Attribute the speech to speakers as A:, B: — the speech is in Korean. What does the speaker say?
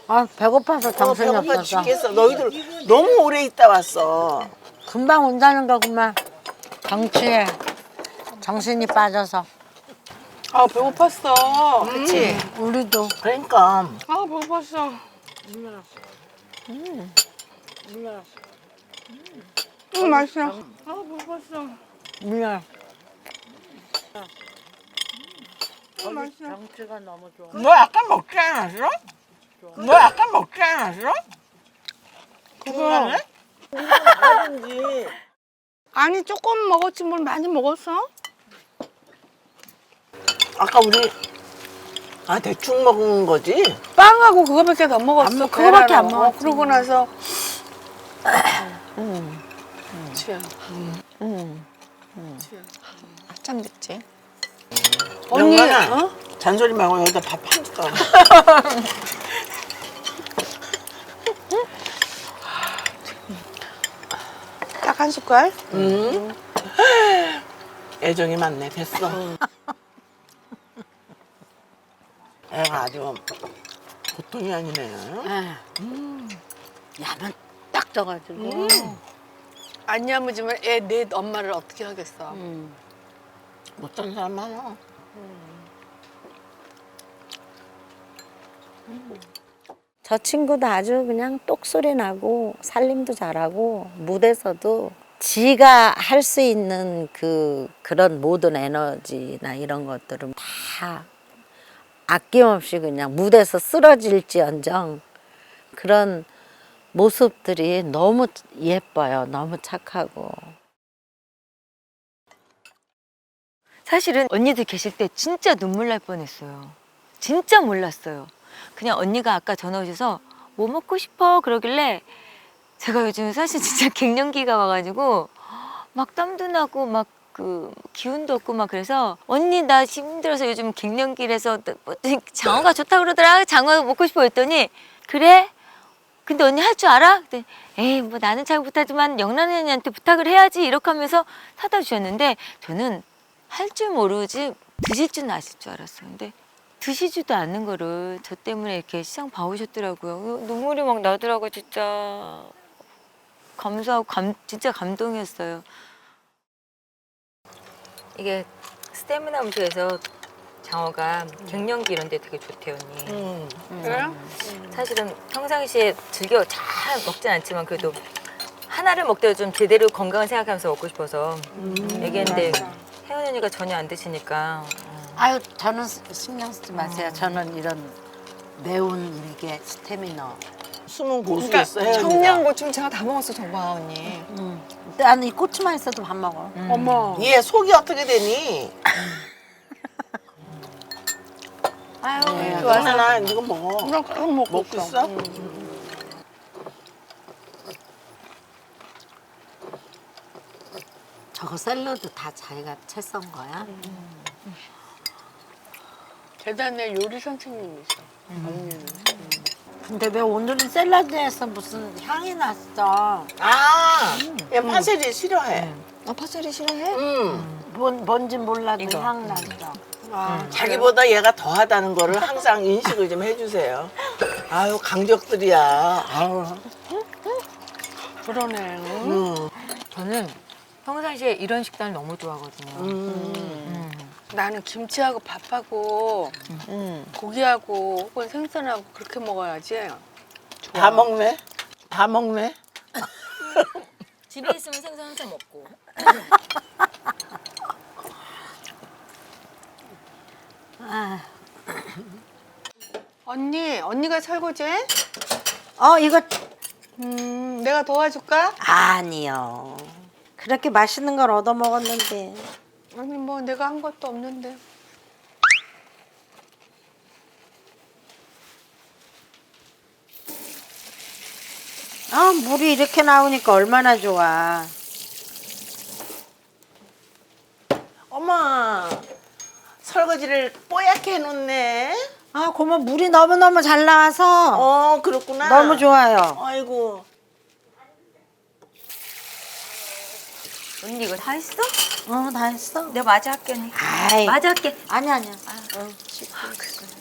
A: 아 배고파서 정신이
B: 배고파
A: 없어서.
B: 죽겠어. 너희들 너무 오래 있다 왔어.
A: 금방 온다는 거구만. 정치에 정신이 빠져서.
C: 아 배고팠어. 그치?
A: 우리도.
B: 그러니까
C: 아 배고팠어. 맛있어. 아 배고팠어.
A: 물려.
C: 맛있어.
A: 정치가 너무 좋아.
B: 너 아까 먹지 않았어? 너 아까 먹지 않았어?
C: 그거
B: 하든지.
C: 아니 조금 먹었지 뭘 많이 먹었어?
B: 아까 우리 대충 먹은 거지?
C: 빵하고 그거밖에 더 먹었어.
A: 안 먹- 그거밖에 안
C: 계란하고.
A: 먹었지.
C: 그러고 나서 취향. 한참 됐지. 언니,
B: 영란아,
C: 어?
B: 잔소리 말고 여기다 밥 한 숟가락.
C: 딱 한 숟갈?
B: 애정이 많네. 됐어. 애가 아주 보통이 아니네.
A: 야만 딱 져가지고.
C: 안 야무지면 애 내 엄마를 어떻게 하겠어.
B: 못하는 사람 많아.
A: 저 친구도 아주 그냥 똑소리 나고 살림도 잘하고 무대에서도 지가 할 수 있는 그런 모든 에너지나 이런 것들은 다 아낌없이 그냥 무대에서 쓰러질지언정 그런 모습들이 너무 예뻐요. 너무 착하고.
D: 사실은 언니들 계실 때 진짜 눈물 날 뻔했어요. 진짜 몰랐어요. 그냥 언니가 아까 전화 오셔서 뭐 먹고 싶어 그러길래 제가 요즘 사실 진짜 갱년기가 와가지고 막 땀도 나고 막 그 기운도 없고 막 그래서 언니 나 힘들어서 요즘 갱년기라서 장어가 좋다 그러더라. 장어 먹고 싶어 했더니 그래? 근데 언니 할 줄 알아? 그랬더니 에이 뭐 나는 잘 못하지만 영란 언니한테 부탁을 해야지 이렇게 하면서 사다 주셨는데 저는 할 줄 모르지 드실 줄은 아실 줄 알았어요. 근데 드시지도 않는 거를 저 때문에 이렇게 시장 봐오셨더라고요. 눈물이 막 나더라고요. 진짜 감사하고 진짜 감동이었어요. 이게 스태미나 음식에서 장어가 갱년기 이런 데 되게 좋대요, 언니.
C: 그래요?
D: 사실은 평상시에 즐겨 잘 먹진 않지만 그래도 하나를 먹더라도 좀 제대로 건강을 생각하면서 먹고 싶어서 얘기했는데 혜원 언니가 전혀 안 드시니까
A: 아유 저는 신경 쓰지 마세요. 저는 이런 매운 이게 스태미너.
B: 숨은
C: 그러니까
B: 고수였어. 혜연이가.
C: 청양고추 제가 다 먹었어 저봐 언니.
A: 나는 이 고추만 있어도 밥 먹어.
C: 어머.
B: 얘 속이 어떻게 되니?
A: 아유
B: 영란아, 이거 먹어.
C: 그냥 계속 먹고
B: 먹고 있어?
A: 저거 샐러드 다 자기가 채 썬 거야?
C: 대단해 요리 선생님이셔. 언니는.
A: 근데 왜 오늘은 샐러드에서 무슨 향이 났어?
B: 얘 파세리 싫어해.
C: 아 파절이 싫어해?
A: 뭔지 몰라도
D: 이거.
A: 향 났어.
B: 자기보다 얘가 더하다는 거를 항상 인식을 좀 해주세요. 아유, 강적들이야. 아유.
C: 그러네.
D: 저는 평상시에 이런 식단을 너무 좋아하거든요.
C: 나는 김치하고 밥하고 고기하고 혹은 생선하고 그렇게 먹어야지.
B: 다 먹네? 다 먹네?
D: 집에 있으면 생선 항상 먹고.
C: 언니가 설거지해?
A: 이거
C: 내가 도와줄까?
A: 아니요. 그렇게 맛있는 걸 얻어 먹었는데.
C: 아니 뭐 내가 한 것도 없는데.
A: 물이 이렇게 나오니까 얼마나 좋아.
B: 어머, 설거지를 뽀얗게 해놓네.
A: 고모 물이 너무너무 잘 나와서
B: 그렇구나.
A: 너무 좋아요.
B: 아이고.
D: 언니 이거 다 했어?
A: 다 했어.
D: 내가 마저 할게 언니.
A: 아이.
D: 마저 할게.
A: 아니야.
D: 그래.